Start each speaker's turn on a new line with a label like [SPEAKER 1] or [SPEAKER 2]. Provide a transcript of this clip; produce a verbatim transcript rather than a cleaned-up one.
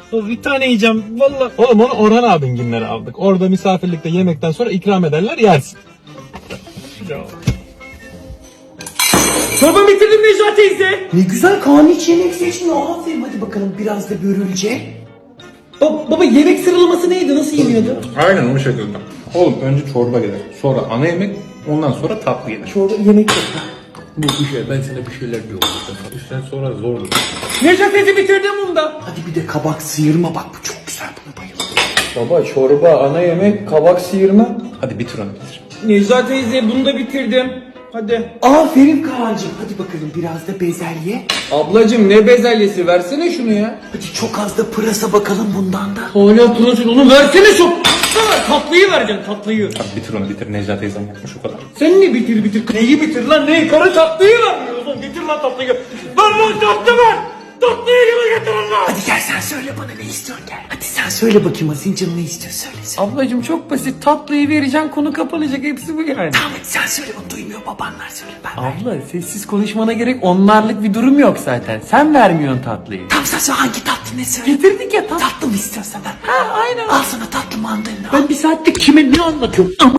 [SPEAKER 1] Bir tane yiyeceğim vallahi. Oğlum onu Orhan abinginlere aldık. Orada misafirlikte yemekten sonra ikram ederler, yersin.
[SPEAKER 2] Çorba bitirdim Necla teyze.
[SPEAKER 3] Ne güzel, Kaan hiç yemek seçmiyor. Aferin, hadi bakalım biraz da börülce.
[SPEAKER 2] Ba- baba yemek sıralaması neydi? Nasıl yeniyordu?
[SPEAKER 4] Aynen o şekilde. Oğlum önce çorba gelir. Sonra ana yemek. Ondan sonra tatlı gelir.
[SPEAKER 3] Çorba yemek yok.
[SPEAKER 4] Bu bir şey. Ben sana bir şeyler diyorum. Üstten sonra zordur.
[SPEAKER 2] Necla teyze bitirdim bunu da.
[SPEAKER 3] Hadi bir de kabak sıyırma, bak bu çok güzel, buna bayıldım.
[SPEAKER 5] Baba çorba, ana yemek, kabak sıyırma.
[SPEAKER 4] Hadi bitir onu bitir.
[SPEAKER 2] Necla teyze bunu da bitirdim. Hadi.
[SPEAKER 3] Aferin Kaan'cığım, hadi bakalım biraz da bezelye.
[SPEAKER 5] Ablacım ne bezelyesi, versene şunu ya.
[SPEAKER 3] Hadi çok az da pırasa bakalım bundan da.
[SPEAKER 2] Hala pırasın onu versene çok. Ver, tatlıyı vereceksin tatlıyı.
[SPEAKER 4] Hadi bitir onu bitir. Necla teyzem yapmış o kadar.
[SPEAKER 2] Sen ne bitir bitir? Neyi bitir lan neyi? Karı tatlıyı vermiyorsun. Getir lan tatlıyı. Ver lan tatlı ver. Tatlıyı gibi getirin lan.
[SPEAKER 3] Hadi gel sen söyle bana ne istiyorsun, gel. Hadi sen söyle bakayım Asin, canım ne istiyor, söyle söyle.
[SPEAKER 2] Ablacım çok basit. Tatlıyı vereceksin konu kapanacak. Hepsi bu yani.
[SPEAKER 3] Tamam hadi sen söyle, bunu duymuyor babanlar, söyle ben.
[SPEAKER 2] Abla sessiz konuşmana gerek, onlarlık bir durum yok zaten. Sen vermiyorsun tatlıyı.
[SPEAKER 3] Tamam sen söyle, hangi tatlı ne söyle.
[SPEAKER 2] Getirdik ya tatlı.
[SPEAKER 3] Tatlı mı istiyorsan ver.
[SPEAKER 2] Ha aynen.
[SPEAKER 3] Al sana tatlı mandalina.
[SPEAKER 2] Ben bir saattir kime ne anlatıyorum?